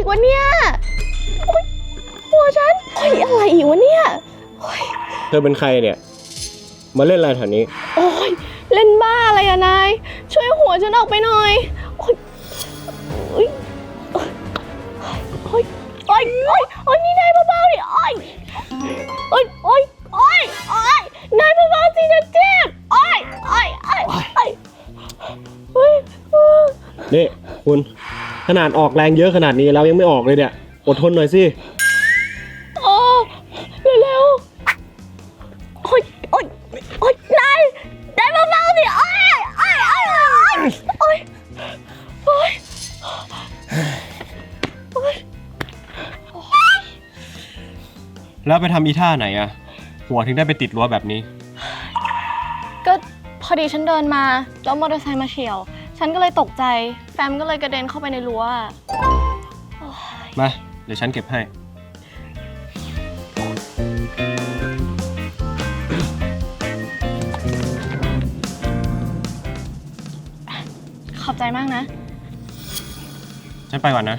อีกวะเนี่ยหัวฉันอะไรอีกวะเนี่ยเธอเป็นใครเนี่ยมาเล่นอะไรแถวนี้โอ้ยเล่นบ้าอะไรอะนายช่วยหัวฉันออกไปหน่อยโอ้ยโอ้ยโอ้ยโอ้ยโอ้ยนี่นายเบาๆดิโอ้ยโอ้ยโอ้ยโอ้ยโอ้ยนายเบาๆสิจะเจ็บโอ้ยโอ้ยโอ้ยโอ้ยนี่คุณขนาดออกแรงเยอะขนาดนี้แล้วยังไม่ออกเลยเนี่ยอดทนหน่อยสิโอ้เร็วๆโอ้ยโอ้ยโอ้ยนายเบาๆสิโอ้ยโอ้ยโอ้ยโอ้ยโอ้ยโอ้ยแล้วไปทำอีท่าไหนอะหัวถึงได้ไปติดรั้วแบบนี้ก็พอดีฉันเดินมาแล้วมอเตอร์ไซค์มาเฉี่ยวฉันก็เลยตกใจแฟมก็เลยกระเด็นเข้าไปในรั้วมาเดี๋ยวฉันเก็บให้ขอบใจมากนะฉันไปก่อนนะ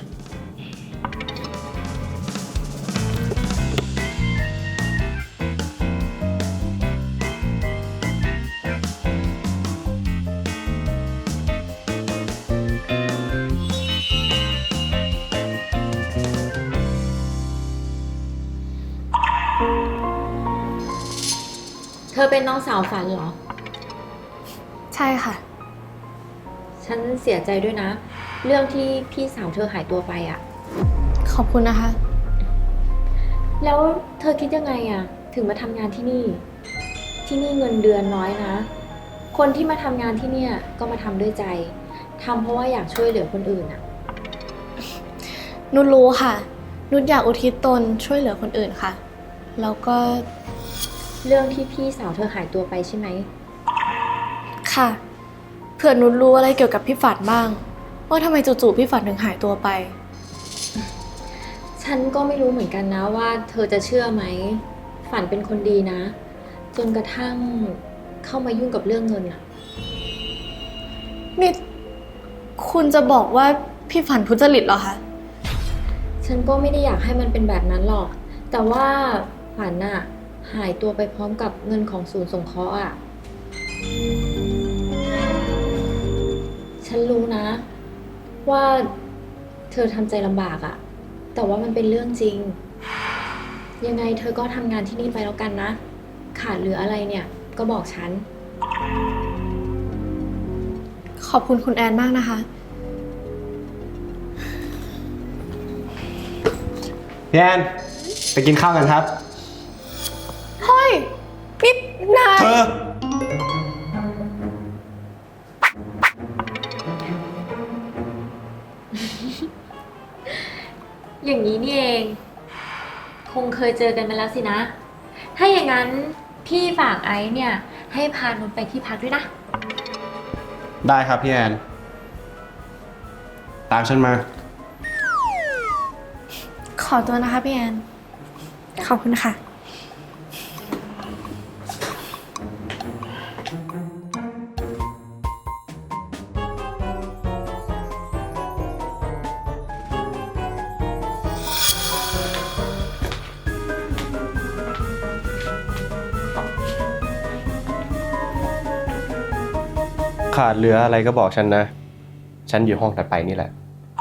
เธอเป็นน้องสาวฝันเหรอใช่ค่ะฉันเสียใจด้วยนะเรื่องที่พี่สาวเธอหายตัวไปอ่ะขอบคุณนะคะแล้วเธอคิดยังไงอ่ะถึงมาทำงานที่นี่เงินเดือนน้อยนะคนที่มาทำงานที่เนี่ยก็มาทำด้วยใจทำเพราะว่าอยากช่วยเหลือคนอื่นอ่ะนุชรู้ค่ะนุชอยากอุทิศตนช่วยเหลือคนอื่นค่ะแล้วก็เรื่องที่พี่สาวเธอหายตัวไปใช่ไหมค่ะเผื่อนุชรู้อะไรเกี่ยวกับพี่ฝันบ้างว่าทำไมจู่ๆพี่ฝันถึงหายตัวไปฉันก็ไม่รู้เหมือนกันนะว่าเธอจะเชื่อไหมฝันเป็นคนดีนะจนกระทั่งเข้ามายุ่งกับเรื่องเงินอะนี่คุณจะบอกว่าพี่ฝันทุจริตเหรอคะฉันก็ไม่ได้อยากให้มันเป็นแบบนั้นหรอกแต่ว่าฝันอะหายตัวไปพร้อมกับเงินของศูนย์สงเคราะห์อะฉันรู้นะว่าเธอทำใจลำบากอะแต่ว่ามันเป็นเรื่องจริงยังไงเธอก็ทำงานที่นี่ไปแล้วกันนะขาดเหลืออะไรเนี่ยก็บอกฉันขอบคุณคุณแอนมากนะคะพี่แอนไปกินข้าวกันครับเฮ้ยนี่นายเธออย่างนี้นี่เองคงเคยเจอกันมาแล้วสินะถ้าอย่างนั้นพี่ฝากไอซ์เนี่ยให้พานุชไปที่พักด้วยนะได้ครับพี่แอนตามฉันมาขอตัวนะคะพี่แอนขอบคุณค่ะขาดเหลืออะไรก็บอกฉันนะฉันอยู่ห้องถัดไปนี่แหละ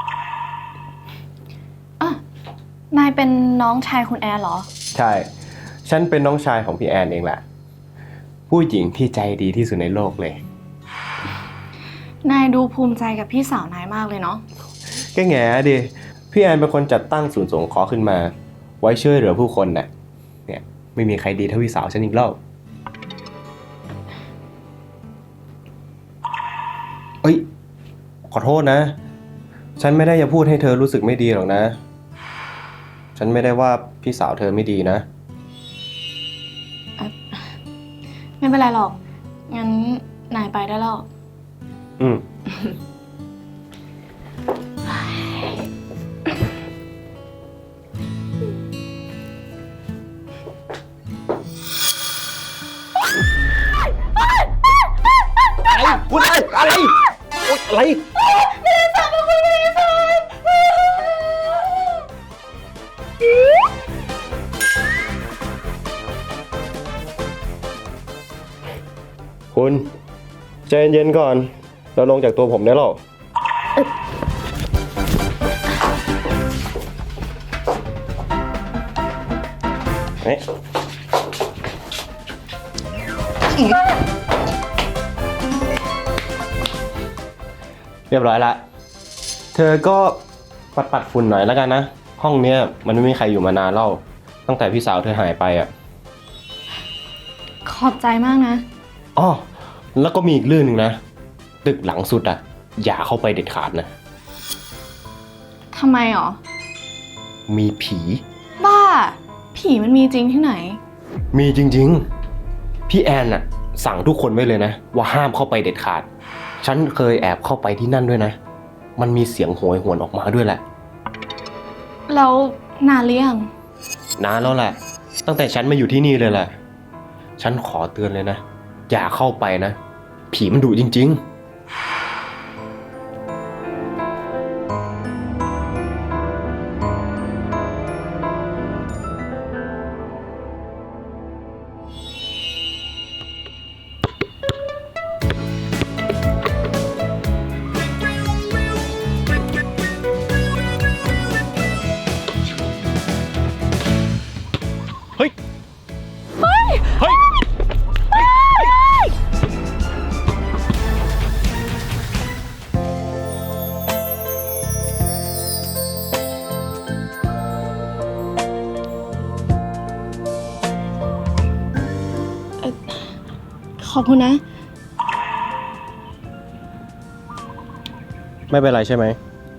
นายเป็นน้องชายคุณแอนเหรอใช่ฉันเป็นน้องชายของพี่แอนเองแหละผู้หญิงที่ใจดีที่สุดในโลกเลยนายดูภูมิใจกับพี่สาวนายมากเลยเนาะแกแง่ดิพี่แอนเป็นคนจัดตั้งศูนย์สงเคราะห์ขึ้นมาไว้ช่วยเหลือผู้คนน่ะเนี่ยไม่มีใครดีเท่าพี่สาวฉันอีกแล้วเอ้ยขอโทษนะฉันไม่ได้จะพูดให้เธอรู้สึกไม่ดีหรอกนะฉันไม่ได้ว่าพี่สาวเธอไม่ดีนะไม่เป็นไรหรอกงั้นนายไปได้แล้วอะไรคุณใจเย็นๆก่อน เราลงจากตัวผมได้หรอเฮ้ยเรียบร้อยละ เธอก็ปัดฝุ่นหน่อยแล้วกันนะ ห้องเนี้ยมันไม่มีใครอยู่มานานแล้วตั้งแต่พี่สาวเธอหายไปอ่ะขอบใจมากนะอ้อแล้วก็มีอีกเรื่องหนึ่งนะ ตึกหลังสุดอ่ะ อย่าเข้าไปเด็ดขาดนะทำไมหรอมีผีบ้า ผีมันมีจริงที่ไหนมีจริงๆ พี่แอนน่ะ สั่งทุกคนไว้เลยนะ ว่าห้ามเข้าไปเด็ดขาด ฉันเคยแอบเข้าไปที่นั่นด้วยนะ มันมีเสียงโหยหวนออกมาด้วยแหละแล้วนานหรือยังนานแล้วแหละ ตั้งแต่ฉันมาอยู่ที่นี่เลยแหละ ฉันขอเตือนเลยนะ อย่าเข้าไปนะ ผีมันดุจริงๆ เฮ้ย เฮ้ย เฮ้ยขอบคุณนะไม่เป็นไรใช่ไหม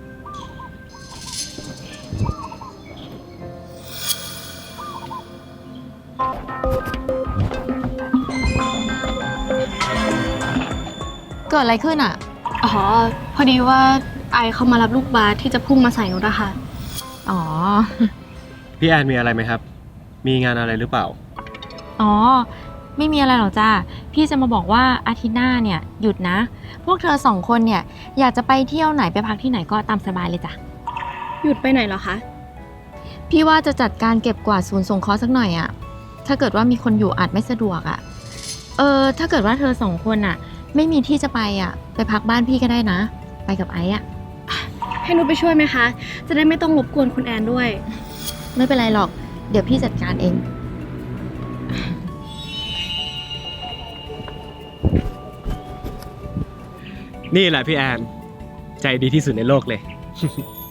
เกิดอะไรขึ้นอ่ะอ๋อ พอดีว่าไอเขามารับลูกบาสที่จะพุ่งมาใส่นุชอะค่ะอ๋อพี่แอนมีอะไรไหมครับ มีงานอะไรหรือเปล่าอ๋อ ไม่มีอะไรหรอกจ้าพี่จะมาบอกว่าอาทิตย์หน้าเนี่ยหยุดนะ พวกเธอ2 คนเนี่ยอยากจะไปเที่ยวไหนไปพักที่ไหนก็ตามสบายเลยจ้ะหยุดไปไหนเหรอคะพี่ว่าจะจัดการเก็บกวาดศูนย์สงเคราะห์สักหน่อยอะถ้าเกิดว่ามีคนอยู่อาจไม่สะดวกอะถ้าเกิดว่าเธอ2 คนอะไม่มีที่จะไปอะไปพักบ้านพี่ก็ได้นะ ไปกับไอ้อะให้นุชไปช่วยไหมคะ จะได้ไม่ต้องรบกวนคุณแอนด้วยไม่เป็นไรหรอก เดี๋ยวพี่จัดการเองนี่แหละพี่แอน ใจดีที่สุดในโลกเลย